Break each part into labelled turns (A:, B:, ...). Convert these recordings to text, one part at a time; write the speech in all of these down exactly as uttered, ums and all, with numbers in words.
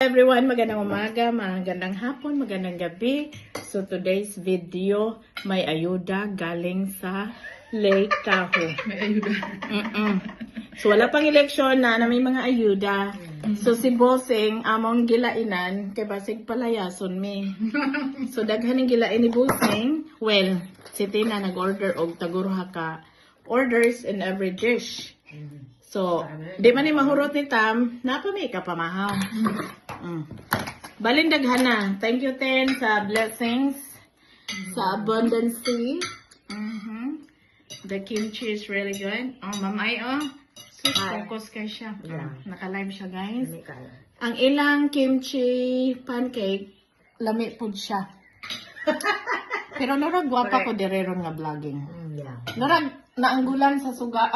A: everyone, magandang umaga, magandang hapon, magandang gabi. So today's video, may ayuda galing sa Lake Tahoe.
B: May ayuda.
A: Mm-mm. So wala pang eleksyon na na may mga ayuda. So si Bossing, among gilainan, kay basig palayason mi. So daghan ng gilain ni Bossing, well, si Tina nag-order og taguruha ka orders in every dish. So, di man ni mahurot ni Tam, napa may kapamahaw. Mm. Balin daghan na. Thank you, Ten, sa blessings, sa abundance. Mm-hmm. The kimchi is really good. Oh, mamay, oh. So, focus kayo siya.
B: Yeah.
A: Naka-live siya, guys. Ang ilang kimchi pancake, lami po siya. Pero narag gwapa ko direron nga vlogging.
B: Yeah.
A: Narag naanggulan sa suga.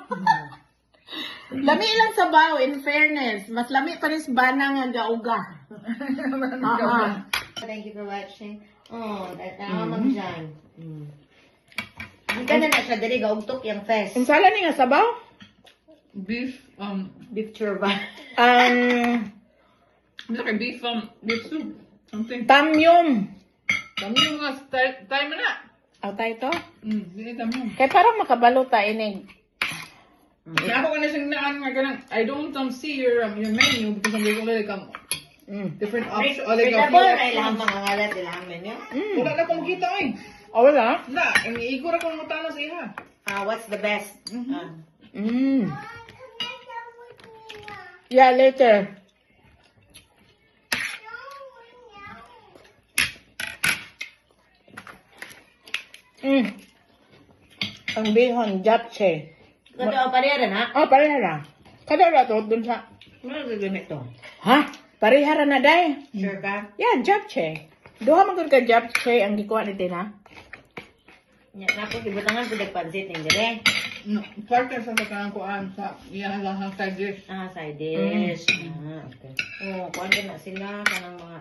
A: Lami lang sa baw, in fairness. Mas lami pa rin sa bana nga gauga. Aha.
C: Thank you for watching. Oh, tatawa mm-hmm. Dyan. Mm. Hindi ka na na siya dali, gaugtok yung fest.
A: Ang sala ni nga sabaw?
B: Beef, um,
C: Beef churba.
A: Um,
B: like beef, um, beef soup. Something.
A: tamyum.
B: Dami yung mga style, time na.
A: Aw tayo to?
B: Mm, hindi tamyum.
A: Kaya parang makabalo ta inig.
B: Kaya ako ka na siyang naan nga ganang, I don't um, see your um, your menu because I'm going to like um,
A: Mm.
B: different options. O like
C: Readable,
B: few
C: ay lang
B: options.
C: mga ngalat, ilang menu.
A: Mm.
B: Wala na akong makita eh.
A: Oh, wala?
B: Wala, ang iigor ako ng utana sa iha.
C: Ah, what's the best? Ah.
A: Mm. Yeah, later. Mm. Ang bihon, japchae.
C: Kado pa rin ha?
A: Oh, pareha na. Kada na to, dun sa...
C: Ano gagamit to?
A: Ha? Pareha na day.
C: Sure ka?
A: Yeah, japchae. Duha man ka japchae ang gikuha ni Tina.
C: Nya na po gibutangan pud pansit ning dire.
B: No, partner sa kanang kuan sa iya lang ang side dish.
C: Ah, side dish. Ah, okay. Oh, kuan din na sila kanang mga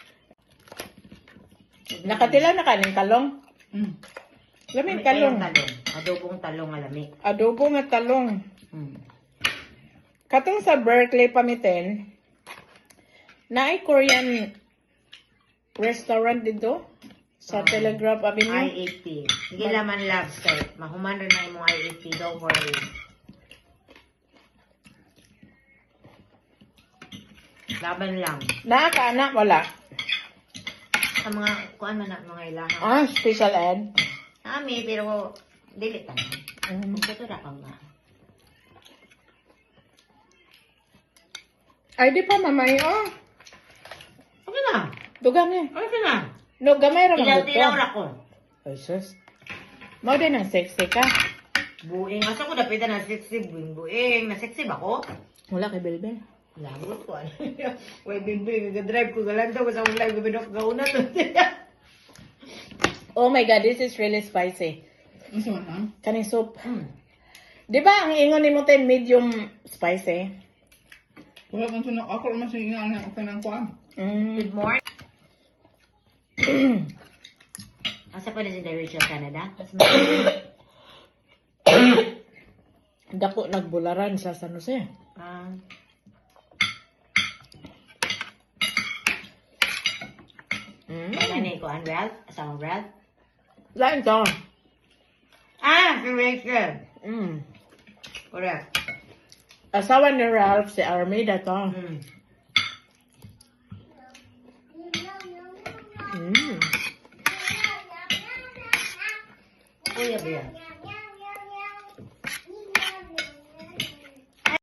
A: Nakatila na kaning talong.
B: Mm.
A: Lamig talong.
C: talong. Adobong talong alami.
A: Adobo nga talong.
C: Hmm.
A: Katong sa Berkeley pamiten, naay Korean restaurant dito sa
C: Ah.
A: Telegraph
C: I
A: Avenue.
C: eighty. Sige laman labs kay mahuman rin na imong I eighty don't worry. Laban lang.
A: Naa ka anak wala.
C: Sa mga kuan man na mga ilaha.
A: Ah, special ed.
C: Ami pero dili ta.
A: Mm.
C: Ito ra ka nga.
A: Ay di pa mamay oh.
C: Okay na.
A: Dugang ni.
C: Okay na.
A: No gamay ra man
C: Ilaw-ilaw
A: buto.
C: ra ko.
A: Ay sus. Mao din ang sexy ka.
C: Buing. Asa ko dapita na sexy buing buing. Na sexy ba ko?
A: Wala kay Belbel.
C: Lagot ko. Way bimbing. Nag-drive ko. Galanto ko sa akong live. Gabinok gauna to.
A: Oh my god, this is really spicy.
B: Ano man ha?
A: Kaning soup.
C: Hmm.
A: Di ba ang ingon ni mo tay medium spicy?
B: Wala kang sunok. Ako naman sa inga ang kanang kuan.
A: Mm.
C: Good morning. Asa pa na si Rachel Canada?
A: Dako nagbularan sa San Jose.
C: Ah.
A: Mm.
C: Wala na ko, Ralph? Asama Ralph?
A: Lain to.
C: Ah, si Rachel.
A: Mm.
C: Correct.
A: Asawa ni Ralph, si Armida to.
C: Hmm.
A: Mm.
C: Kuya ba yan?